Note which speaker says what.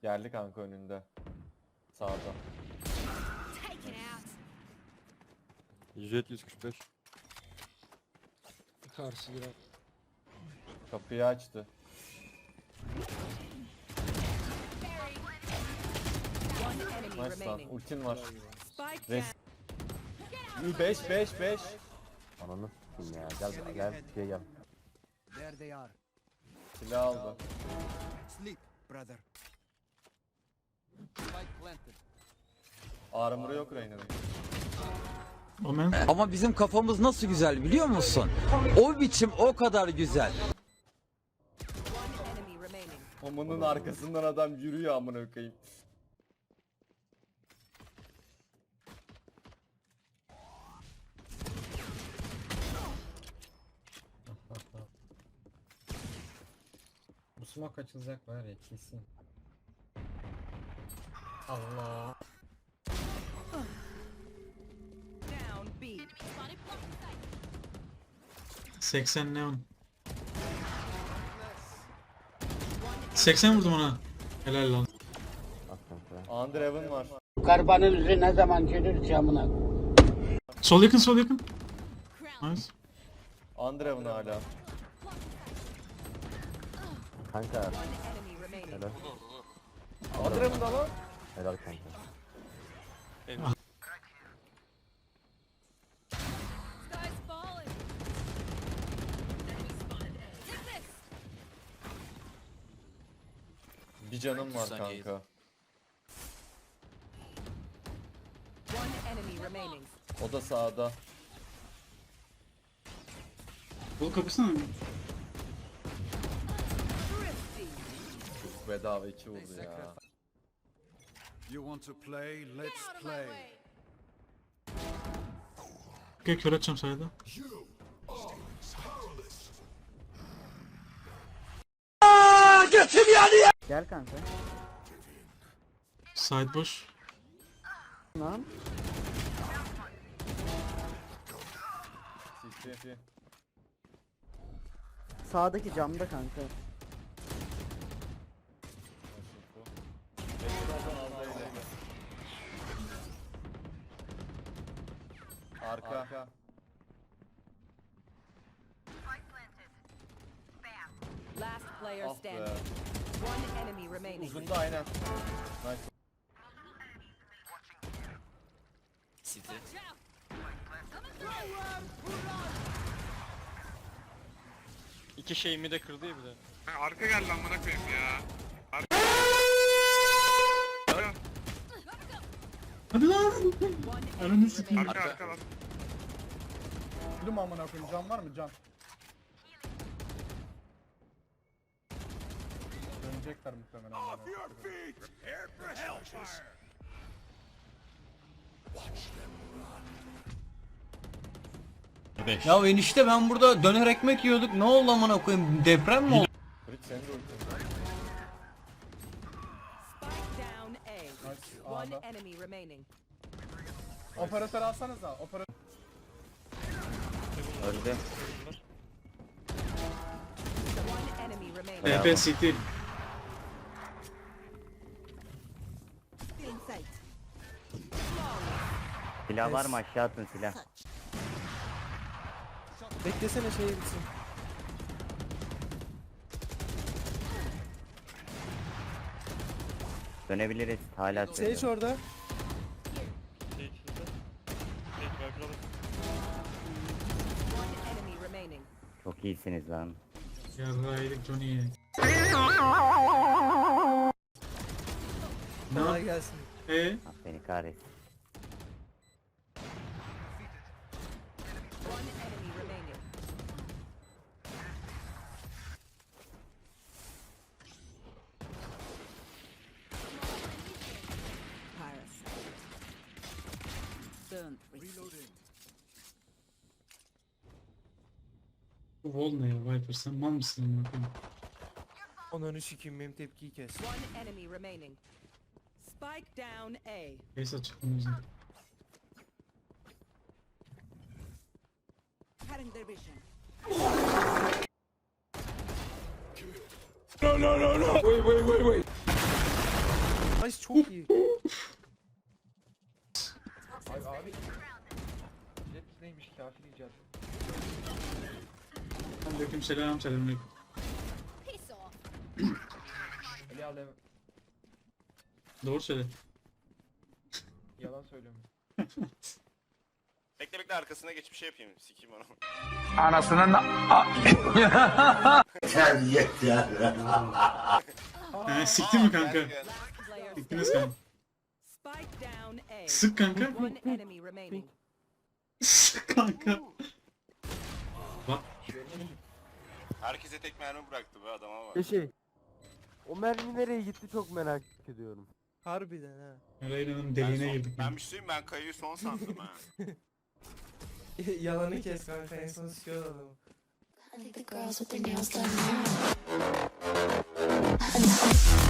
Speaker 1: Geldi kanka önünde. Sağda.
Speaker 2: 170-145.
Speaker 3: Karşı girer.
Speaker 1: Kapıyı açtı. Nice lan. Ultin var. Res. 5.
Speaker 2: Ananı s**eyim ya. Gel gel.
Speaker 4: There they are.
Speaker 1: Silah aldı.
Speaker 4: Sleep, brother. Spike planted.
Speaker 1: Armor'ı yok Reyna'nın.
Speaker 5: Ama bizim kafamız nasıl güzel biliyor musun? O biçim o kadar güzel.
Speaker 1: Omunun arkasından adam yürüyor amına koyayım.
Speaker 3: Bu smoke açılacak var ya kesin. Allah.
Speaker 6: Down B.
Speaker 7: 80 neon. 80 vurdum ona. Helal lan.
Speaker 2: At kanka.
Speaker 1: Underhaven var.
Speaker 8: Karbanın yüzü ne zaman gelir camına?
Speaker 7: Sol yakın. Nice.
Speaker 1: Underhaven hala.
Speaker 2: Kanka.
Speaker 6: Enemy remaining.
Speaker 2: Helal.
Speaker 1: Underhaven da lan.
Speaker 2: Helal kanka.
Speaker 6: Sky's falling. Enemy spotted. Take this.
Speaker 1: Bir canım var kanka.
Speaker 6: One enemy remaining.
Speaker 1: O da sağda.
Speaker 7: Bol kapısana mı?
Speaker 1: Bedava 2 vurdu ya.
Speaker 4: You want to play? Let's play.
Speaker 7: Gel kör atacağım sayıda.
Speaker 8: Gel kanka.
Speaker 7: Side boş.
Speaker 8: Lan.
Speaker 1: CC.
Speaker 8: Sağdaki camda kanka.
Speaker 1: Arka.
Speaker 6: Last player
Speaker 1: Ah be.
Speaker 6: standing. One enemy remaining.
Speaker 1: Uzunda aynen. Nice.
Speaker 9: City.
Speaker 3: İki şeyimi de kırdı ya bir de.
Speaker 10: Arka geldi amına koyayım ya.
Speaker 7: Hadi lan. Ananı sikeyim.
Speaker 10: Arka lan.
Speaker 3: Öldüm amına koyayım. Can var mı can? Dönecekler muhtemelen.
Speaker 5: Ya enişte ben burada döner ekmek yiyorduk. Ne oldu amına koyayım? Deprem mi oldu?
Speaker 1: Bridge senin de ultin var.
Speaker 6: Spike down A.
Speaker 3: Nice.
Speaker 6: One
Speaker 3: A'da.
Speaker 6: enemy remaining.
Speaker 3: Operatör alsanıza. Operatör.
Speaker 2: Öldü.
Speaker 6: One enemy remaining.
Speaker 7: TP city.
Speaker 6: In sight.
Speaker 2: Silah var mı aşağı atın silah.
Speaker 3: Beklesene şey bitsin.
Speaker 2: Dönebiliriz. Hala söylüyorum.
Speaker 3: orada.
Speaker 6: One enemy remaining.
Speaker 2: Çok iyisiniz lan.
Speaker 7: Yarraydık Johnny'ye.
Speaker 3: Kolay gelsin.
Speaker 2: Ah beni kahretsin.
Speaker 6: One enemy remaining. Parasite. Don't resist.
Speaker 7: Bu wall ne ya Viper sen mal mısın amına koyayım?
Speaker 3: Onları sikeyim benim tepkiyi kes.
Speaker 6: One enemy remaining. Spike down A.
Speaker 7: Base açık bunun yüzünden.
Speaker 6: Cutting their vision.
Speaker 11: Nice çok iyi.
Speaker 1: Abi. Jet neymiş kafir icat.
Speaker 7: Aleyküm selam selamünaleyküm.
Speaker 1: Ali al
Speaker 7: Doğru söyle.
Speaker 1: yalan söylüyorum.
Speaker 10: Bekle bekle arkasına geç bir şey yapayım. Sikeyim onu.
Speaker 7: Siktin mi kanka?
Speaker 6: Last player
Speaker 7: Siktiniz kanka.
Speaker 6: Spike down A.
Speaker 7: Sık kanka.
Speaker 6: One enemy remaining.
Speaker 7: Sık kanka. Bak.
Speaker 10: Herkese tek mermi bıraktı be adama bak.
Speaker 11: O mermi nereye gitti çok merak ediyorum. Harbiden ha.
Speaker 7: Reyna'nın deliğine girdik.
Speaker 10: Ben bir şey söyleyeyim, ben kayıyı son sandım ha.
Speaker 11: Yalanı kes kanka en son sikiyor adamı.
Speaker 12: I think the girls with their nails done now.